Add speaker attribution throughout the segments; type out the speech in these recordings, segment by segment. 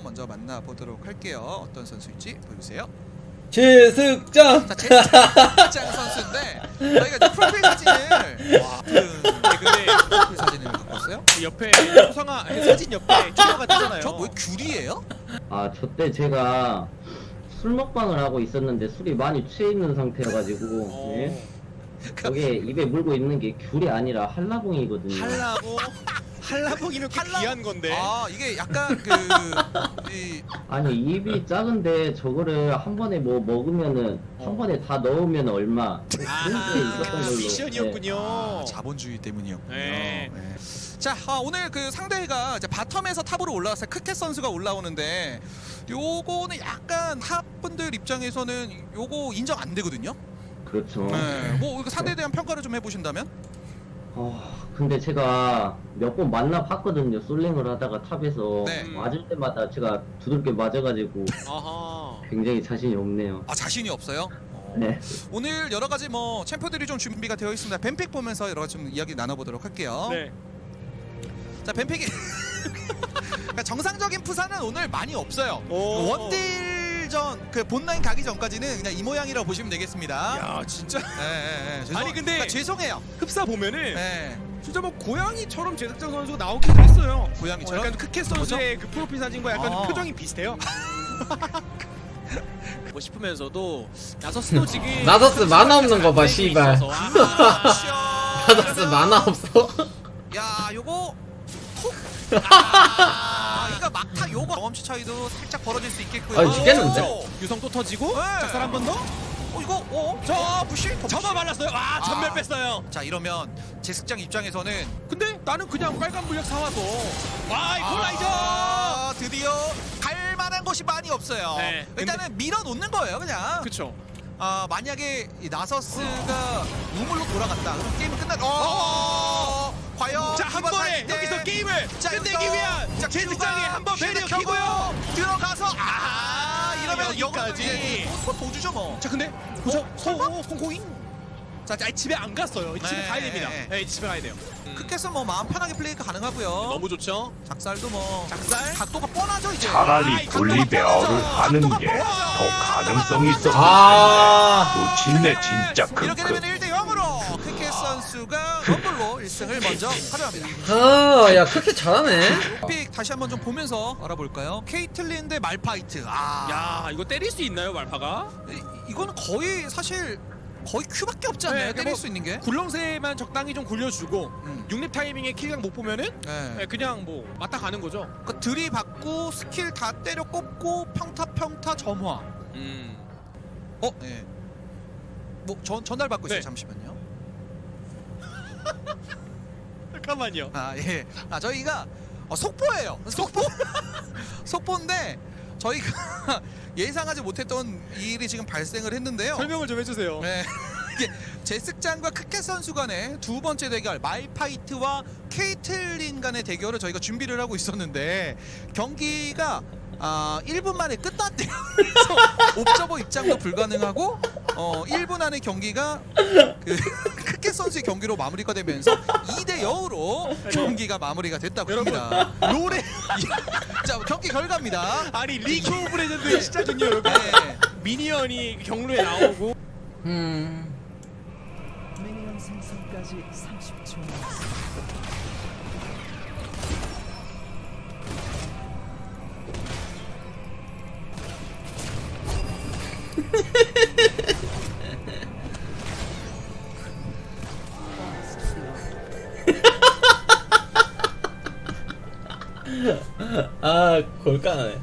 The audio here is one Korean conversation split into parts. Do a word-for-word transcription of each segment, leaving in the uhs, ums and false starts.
Speaker 1: 먼저 만나보도록 할게요. 어떤 선수일지 보여주세요.
Speaker 2: 제습장.
Speaker 1: 자, 제습장 선수인데 저희가 이제 프로필 사진을 와, 그 근데 프로필 사진을 갖고 왔어요?
Speaker 3: 옆에 초상화 사진 옆에 초상화가 뜨잖아요.
Speaker 1: 저 뭐 귤이에요?
Speaker 4: 아, 저 때 제가 술 먹방을 하고 있었는데 술이 많이 취해 있는 상태여가지고
Speaker 3: 어.
Speaker 4: 예? 저게 입에 물고 있는 게 귤이 아니라 한라봉이거든요.
Speaker 3: 한라봉 한라봉이면 꽤
Speaker 1: 한라-
Speaker 3: 귀한 건데.
Speaker 1: 아 이게 약간 그 이,
Speaker 4: 아니 입이 작은데 저거를 한 번에 뭐 먹으면은
Speaker 3: 어.
Speaker 4: 한 번에 다 넣으면 얼마 그런 게
Speaker 3: 아하,
Speaker 4: 있었던 걸로.
Speaker 3: 미션이었군요.
Speaker 1: 아, 자본주의 때문이었군요.
Speaker 3: 네.
Speaker 1: 네. 자 아, 오늘 그 상대가 이제 바텀에서 탑으로 올라왔어요. 크켓 선수가 올라오는데 요거는 약간 탑분들 입장에서는 요거 인정 안 되거든요.
Speaker 4: 네, 그렇죠.
Speaker 1: 네. 뭐 이거 상대에 대한 평가를 좀 해보신다면?
Speaker 4: 어, 근데 제가 몇 번 만나 봤거든요. 솔랭을 하다가 탑에서
Speaker 1: 네.
Speaker 4: 맞을 때마다 제가 두들겨 맞아가지고
Speaker 3: 아하.
Speaker 4: 굉장히 자신이 없네요.
Speaker 1: 아 자신이 없어요?
Speaker 4: 네.
Speaker 1: 오늘 여러 가지 뭐 챔프들이 좀 준비가 되어 있습니다. 뱀픽 보면서 여러 가지 좀 이야기 나눠보도록 할게요.
Speaker 3: 네.
Speaker 1: 자 뱀픽이 그러니까 정상적인 푸사는 오늘 많이 없어요.
Speaker 3: 오.
Speaker 1: 원딜전 그 본라인 가기 전까지는 그냥 이 모양이라고 보시면 되겠습니다.
Speaker 3: 야 진짜
Speaker 1: 네, 네, 네. 죄송,
Speaker 3: 아니, 근데-
Speaker 1: 그러니까 죄송해요.
Speaker 3: 흡사 보면은
Speaker 1: 네.
Speaker 3: 진짜 뭐 고양이처럼 제작자 선수가 나오기도 했어요.
Speaker 1: 고양이처럼?
Speaker 3: 어, 약간 크켓 선수의 그 프로필 사진과 약간
Speaker 1: 아.
Speaker 3: 표정이 비슷해요. 뭐 싶으면서도 나서스도 지금
Speaker 2: 나서스 만화 없는 거 봐, 씨발.
Speaker 3: 아,
Speaker 2: 나서스 만화 없어.
Speaker 1: 야 요거 톡. 아, 그러니까 막타 요거 경험치 차이도 살짝 벌어질 수 있겠고요.
Speaker 2: 아, 죽겠는데?
Speaker 1: 오.
Speaker 3: 유성 또 터지고
Speaker 1: 네.
Speaker 3: 작살 한 번 더.
Speaker 1: 어 이거 어? 저 부시
Speaker 3: 저만 말랐어요. 와 전멸
Speaker 1: 아.
Speaker 3: 뺐어요.
Speaker 1: 자 이러면 제습장 입장에서는
Speaker 3: 근데 나는 그냥 빨간 물약 사와서 와 이퀄라이저.
Speaker 1: 아, 드디어 갈 만한 곳이 많이 없어요.
Speaker 3: 네,
Speaker 1: 일단은 밀어놓는 거예요, 그냥.
Speaker 3: 그쵸.
Speaker 1: 아 만약에 이 나서스가 우물로 돌아갔다, 그럼 게임은 끝나. 어, 과연
Speaker 3: 자 한
Speaker 1: 이번
Speaker 3: 번에
Speaker 1: 할 때-
Speaker 3: 여기서 게임을
Speaker 1: 자,
Speaker 3: 끝내기
Speaker 1: 여기서
Speaker 3: 위한
Speaker 1: 자,
Speaker 3: 제습장에
Speaker 1: 큐가
Speaker 3: 한번 배려
Speaker 1: 슈트 켜고
Speaker 3: 키고요.
Speaker 1: 들어가서 아, 이러면
Speaker 3: 여기까지.
Speaker 1: 여기까지 도주죠 뭐.
Speaker 3: 자 근데 보죠.
Speaker 1: 어?
Speaker 3: 서 콩콩이. 자 아니, 집에 안 갔어요. 집에
Speaker 1: 네.
Speaker 3: 가야 됩니다. 네 집에 가야 돼요.
Speaker 1: 크켓은 뭐 마음 편하게 플레이가 가능하고요.
Speaker 3: 너무 좋죠.
Speaker 1: 작살도 뭐
Speaker 3: 작살?
Speaker 1: 각도가 뻔하죠 이제.
Speaker 5: 차라리
Speaker 3: 아이,
Speaker 5: 분리배어를 하는 게 더 가능성이 있어.
Speaker 2: 아.
Speaker 5: 놓친네 진짜
Speaker 1: 이렇게
Speaker 5: 크크.
Speaker 1: 되면 일 대 영으로 크켓 선수가 럼블로 일 승을 먼저 가져갑니다.
Speaker 2: 아, 야, 그렇게 잘하네.
Speaker 1: 픽 다시 한번 좀 보면서 알아볼까요? 케이틀린 대 말파이트. 아,
Speaker 3: 야 이거 때릴 수 있나요 말파가?
Speaker 1: 이, 이거는 거의 사실 거의 큐밖에 없지 않나요?
Speaker 3: 네,
Speaker 1: 때릴
Speaker 3: 뭐-
Speaker 1: 수 있는 게.
Speaker 3: 굴렁쇠만 적당히 좀 굴려주고
Speaker 1: 음.
Speaker 3: 육렙 타이밍에 킬각 못 보면은
Speaker 1: 네.
Speaker 3: 네, 그냥 뭐 맞다 가는 거죠.
Speaker 1: 그 들이받고 스킬 다 때려 꼽고 평타 평타 점화.
Speaker 3: 음.
Speaker 1: 어, 네. 뭐 전 전달 받고 있어요.
Speaker 3: 네.
Speaker 1: 잠시만요.
Speaker 3: 잠깐만요.
Speaker 1: 아 예. 아 저희가 어, 속보예요. 속보. 속보인데 저희가 예상하지 못했던 일이 지금 발생을 했는데요.
Speaker 3: 설명을 좀 해주세요.
Speaker 1: 네. 이게 제습장과 크켓 선수 간의 두 번째 대결 말파이트와 케이틀린 간의 대결을 저희가 준비를 하고 있었는데 경기가 아 일 분 만에 끝났대요. 그래서 옵저버 입장도 불가능하고 어 일 분 안에 경기가 그 크켓 선수의 경기로 마무리가 되면서 이 대 영으로 경기가 마무리가 됐다고 합니다.
Speaker 3: 롤에
Speaker 1: 자 경기 결과입니다.
Speaker 3: 아니 리그 오브 레전드의 시작은요 여러분.
Speaker 1: 네.
Speaker 3: 미니언이 경로에 나오고
Speaker 2: 음.
Speaker 6: 미니언 생성까지 삼십 초 남았습니다.
Speaker 2: 아, 골까네.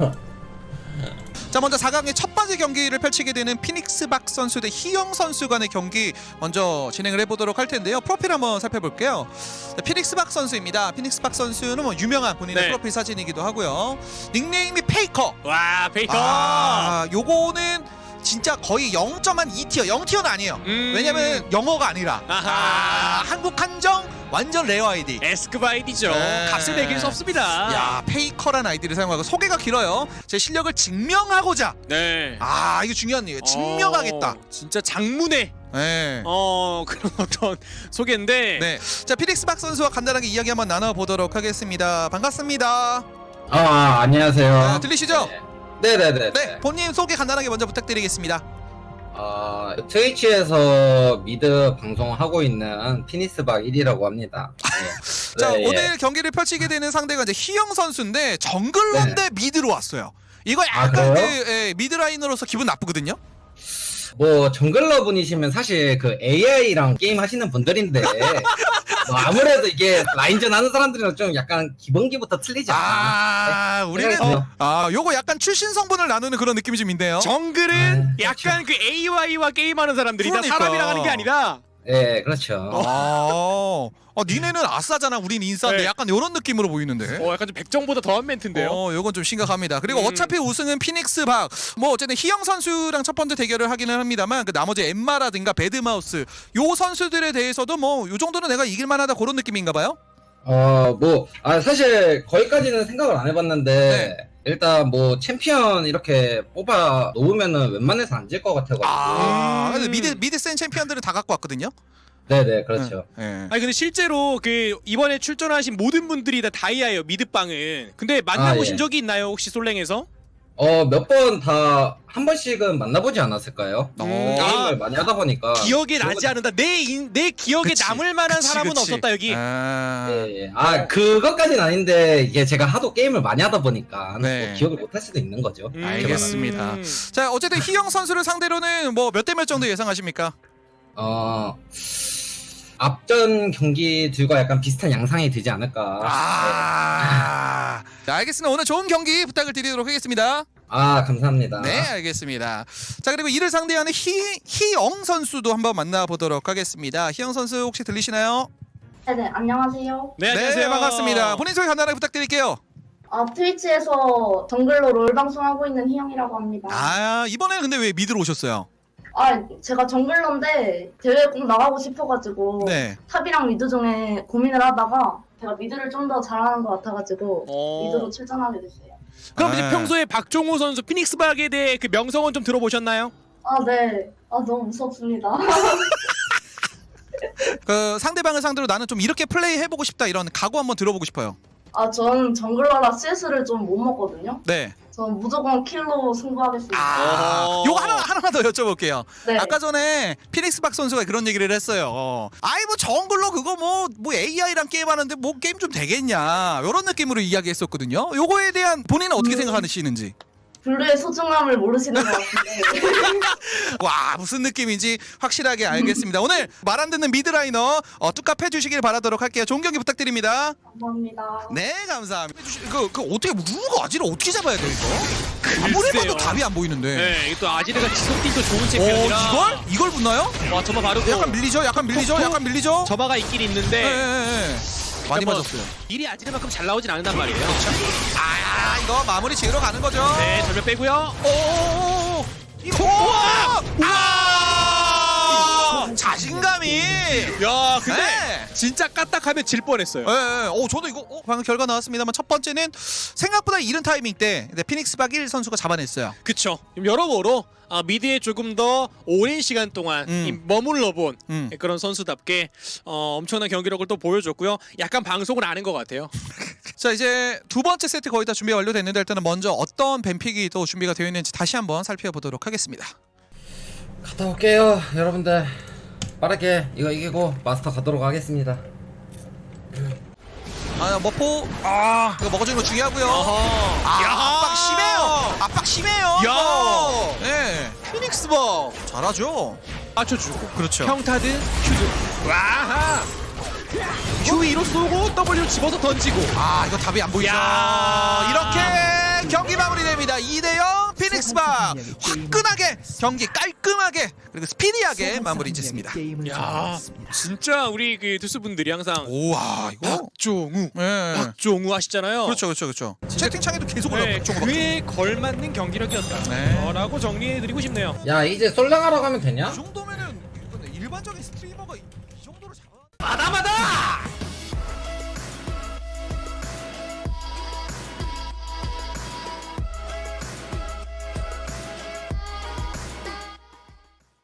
Speaker 1: 자 먼저 사 강의 첫 번째 경기를 펼치게 되는 피닉스 박 선수 대 희영 선수 간의 경기 먼저 진행을 해보도록 할 텐데요. 프로필 한번 살펴볼게요. 자, 피닉스 박 선수입니다. 피닉스 박 선수는 뭐 유명한 본인의
Speaker 3: 네.
Speaker 1: 프로필 사진이기도 하고요. 닉네임이 페이커.
Speaker 3: 와 페이커.
Speaker 1: 아 요거는 진짜 거의 영 점 이 티어, 영 티어는 아니에요.
Speaker 3: 음.
Speaker 1: 왜냐면 영어가 아니라
Speaker 3: 아하.
Speaker 1: 아, 한국 한정 완전 레어 아이디.
Speaker 3: 에스크바 아이디죠.
Speaker 1: 네.
Speaker 3: 값을 매길 수 없습니다.
Speaker 1: 야 페이커란 아이디를 사용하고 소개가 길어요. 제 실력을 증명하고자.
Speaker 3: 네.
Speaker 1: 아 이거 중요한 얘기예요. 증명하겠다.
Speaker 3: 어, 진짜 장문의
Speaker 1: 네.
Speaker 3: 어 그런 어떤 소개인데.
Speaker 1: 네. 자 피닉스 박 선수와 간단하게 이야기 한번 나눠보도록 하겠습니다. 반갑습니다.
Speaker 2: 아, 안녕하세요.
Speaker 1: 아, 들리시죠?
Speaker 2: 네, 네, 네.
Speaker 1: 네, 본인 소개 간단하게 먼저 부탁드리겠습니다.
Speaker 2: 어, 트위치에서 미드 방송하고 있는 피니스박 일이라고 합니다. 네.
Speaker 1: 자,
Speaker 2: 네,
Speaker 1: 오늘
Speaker 2: 예.
Speaker 1: 경기를 펼치게 되는 상대가 이제 희영 선수인데 정글러인데 미드로 왔어요. 이거
Speaker 2: 아,
Speaker 1: 약간 그
Speaker 2: 그래요?
Speaker 1: 예, 미드라이너로서 기분 나쁘거든요.
Speaker 2: 뭐 정글러 분이시면 사실 그 에이아이랑 게임 하시는 분들인데 뭐 아무래도 이게 라인전 하는 사람들이랑 좀 약간 기본기부터 틀리지 않나.
Speaker 1: 아, 우리는
Speaker 2: 어.
Speaker 1: 아, 요거 약간 출신 성분을 나누는 그런 느낌이 좀 있네요.
Speaker 3: 정글은
Speaker 2: 음,
Speaker 3: 약간 그 에이와이와 게임하는 사람들이다.
Speaker 1: 그러니까.
Speaker 3: 사람이랑 하는 게 아니다.
Speaker 2: 네, 그렇죠.
Speaker 1: 아, 어, 니네는 아싸잖아, 우린 인싸인데
Speaker 3: 네.
Speaker 1: 약간 이런 느낌으로 보이는데.
Speaker 3: 어, 약간 좀 백정보다 더한 멘트인데요.
Speaker 1: 어, 요건 좀 심각합니다. 그리고
Speaker 3: 음.
Speaker 1: 어차피 우승은 피닉스 박. 뭐 어쨌든 희영 선수랑 첫 번째 대결을 하기는 합니다만 그 나머지 엠마라든가 배드마우스 요 선수들에 대해서도 뭐 요 정도는 내가 이길 만하다 그런 느낌인가 봐요.
Speaker 2: 어, 뭐, 아, 사실 거기까지는 생각을 안 해봤는데,
Speaker 1: 네.
Speaker 2: 일단 뭐 챔피언 이렇게 뽑아 놓으면은 웬만해서 안 질 것 같아가지고.
Speaker 1: 아,
Speaker 3: 음.
Speaker 1: 근데 미드 미드 센 챔피언들은 다 갖고 왔거든요.
Speaker 2: 네네, 그렇죠.
Speaker 1: 예.
Speaker 3: 아니 근데 실제로 그 이번에 출전하신 모든 분들이 다 다이아예요, 미드빵은. 근데 만나보신
Speaker 2: 아, 예.
Speaker 3: 적이 있나요, 혹시 솔랭에서?
Speaker 2: 어, 몇 번 다 한 번씩은 만나보지 않았을까요?
Speaker 1: 어.
Speaker 2: 게임을
Speaker 3: 아,
Speaker 2: 많이 하다 보니까.
Speaker 3: 기억에
Speaker 2: 그런
Speaker 3: 나지 않는다. 내, 인, 내 기억에
Speaker 1: 그치.
Speaker 3: 남을 만한
Speaker 1: 그치,
Speaker 3: 사람은
Speaker 1: 그치.
Speaker 3: 없었다 여기.
Speaker 1: 아,
Speaker 2: 예, 예. 아, 그것까진 아닌데, 이게 제가 하도 게임을 많이 하다 보니까,
Speaker 1: 네.
Speaker 2: 뭐 기억을 못 할 수도 있는 거죠.
Speaker 3: 음.
Speaker 1: 알겠습니다. 자, 어쨌든 희영 선수를 상대로는 뭐 몇 대 몇 정도 예상하십니까?
Speaker 2: 어, 앞전 경기들과 약간 비슷한 양상이 되지 않을까.
Speaker 1: 아, 자, 알겠습니다. 오늘 좋은 경기 부탁을 드리도록 하겠습니다.
Speaker 2: 아, 감사합니다.
Speaker 1: 네, 알겠습니다. 자, 그리고 이를 상대하는 희, 희영 선수도 한번 만나보도록 하겠습니다. 희영 선수 혹시 들리시나요?
Speaker 7: 네네, 안녕하세요.
Speaker 3: 네, 안녕하세요.
Speaker 1: 네, 반갑습니다. 본인 소개 간단하게 부탁드릴게요.
Speaker 7: 아, 트위치에서 정글로 롤 방송하고 있는 희영이라고 합니다. 아,
Speaker 1: 아, 이번에는 근데 왜 미드로 오셨어요?
Speaker 7: 제가 정글러인데 대회 꼭 나가고 싶어가지고
Speaker 1: 네.
Speaker 7: 탑이랑 미드 중에 고민을 하다가 제가 미드를 좀 더 잘하는 것 같아가지고
Speaker 3: 어.
Speaker 7: 미드로 출전하게 됐어요.
Speaker 3: 그럼
Speaker 1: 아.
Speaker 3: 이제 평소에 박종호 선수 피닉스박에 대해 그 명성은 좀 들어보셨나요?
Speaker 7: 아, 네. 아, 너무 무섭습니다.
Speaker 1: 그 상대방을 상대로 나는 좀 이렇게 플레이 해보고 싶다 이런 각오 한번 들어보고 싶어요.
Speaker 7: 아, 전 정글러라 씨에스를 좀 못 먹거든요.
Speaker 1: 네.
Speaker 7: 전 무조건 킬로 승부하겠습니다.
Speaker 1: 아,
Speaker 3: 어.
Speaker 1: 요거 하나 하나만 더 여쭤볼게요.
Speaker 7: 네.
Speaker 1: 아까 전에 피닉스 박 선수가 그런 얘기를 했어요. 어, 아이 뭐 정글로 그거 뭐 뭐 에이아이랑 게임하는데 뭐 게임 좀 되겠냐 이런 느낌으로 이야기했었거든요. 요거에 대한 본인은 어떻게
Speaker 7: 음.
Speaker 1: 생각하시는지.
Speaker 7: 블루의 소중함을 모르시는 것 같은데.
Speaker 1: 와, 무슨 느낌인지 확실하게 알겠습니다. 오늘 말 안 듣는 미드라이너 어, 뚝갑 해주시길 바라도록 할게요. 좋은 경기 부탁드립니다.
Speaker 7: 감사합니다.
Speaker 1: 네, 감사합니다. 해주시- 그, 그 어떻게 누가 아지를 어떻게 잡아야 돼 이거? 아무리 봐도 답이 안 보이는데.
Speaker 3: 네, 이게 또 아지르가 지속딜도 좋은
Speaker 1: 오,
Speaker 3: 챔피언이라.
Speaker 1: 이걸 이걸 붙나요?
Speaker 3: 와, 저마 바르고.
Speaker 1: 약간 밀리죠, 약간 밀리죠, 약간 밀리죠.
Speaker 3: 저마가 있긴 있는데.
Speaker 1: 예, 예, 예. 많이
Speaker 3: 뭐
Speaker 1: 맞았어요.
Speaker 3: 일이 아지르만큼 잘 나오진 않는단 말이에요.
Speaker 1: 아, 이거 마무리 지으러 가는 거죠.
Speaker 3: 네, 절벽 빼고요.
Speaker 1: 오, 이거 우와! 아! 자신감이.
Speaker 3: 야, 근데
Speaker 1: 네.
Speaker 3: 진짜 까딱하면 질 뻔했어요.
Speaker 1: 예, 예. 오, 저도 이거 어, 방금 결과 나왔습니다만 첫 번째는 생각보다 이른 타이밍 때 네, 피닉스 박 일 선수가 잡아냈어요.
Speaker 3: 그쵸. 여러모로 아, 미드에 조금 더 오랜 시간 동안
Speaker 1: 음.
Speaker 3: 이 머물러 본
Speaker 1: 음.
Speaker 3: 그런 선수답게 어, 엄청난 경기력을 또 보여줬고요. 약간 방송을 아는 것 같아요.
Speaker 1: 자, 이제 두 번째 세트 거의 다 준비 완료됐는데 일단은 먼저 어떤 뱀픽이 또 준비가 되어 있는지 다시 한번 살펴보도록 하겠습니다.
Speaker 2: 갔다 올게요, 여러분들. 빠르게 이거 이기고 마스터 가도록 하겠습니다.
Speaker 1: 아, 머포. 아, 이거 먹어주는 거 중요하고요. 아, 압박 심해요. 압박 심해요.
Speaker 3: 야.
Speaker 1: 이거. 네. 피닉스 박 잘하죠.
Speaker 3: 맞춰주고.
Speaker 1: 그렇죠.
Speaker 3: 평타든 큐든. 와하. Q위로 쏘고 W 집어서 던지고.
Speaker 1: 아, 이거 답이 안 보이죠.
Speaker 3: 야.
Speaker 1: 이렇게 경기 마무리됩니다. 이 대 영 피닉스 박 화끈하게 경기 깔끔하게 그리고 스피디하게 마무리 짓습니다.
Speaker 3: 야, 진짜 우리 그 투수분들이 항상
Speaker 1: 우와, 이거.
Speaker 3: 박종우,
Speaker 1: 네.
Speaker 3: 박종우 하시잖아요.
Speaker 1: 그렇죠, 그렇죠, 그렇죠. 채팅창에도 계속
Speaker 3: 네,
Speaker 1: 올라오고 박종호,
Speaker 3: 그에 걸맞는 경기력이었다.
Speaker 1: 네.
Speaker 3: 어, 라고 정리해드리고 싶네요.
Speaker 2: 야, 이제 솔랭하러 가면 되냐?
Speaker 1: 이 정도면은 이거는 일반적인 스트리머가 이, 이 정도로 잡아.
Speaker 3: 마다마다!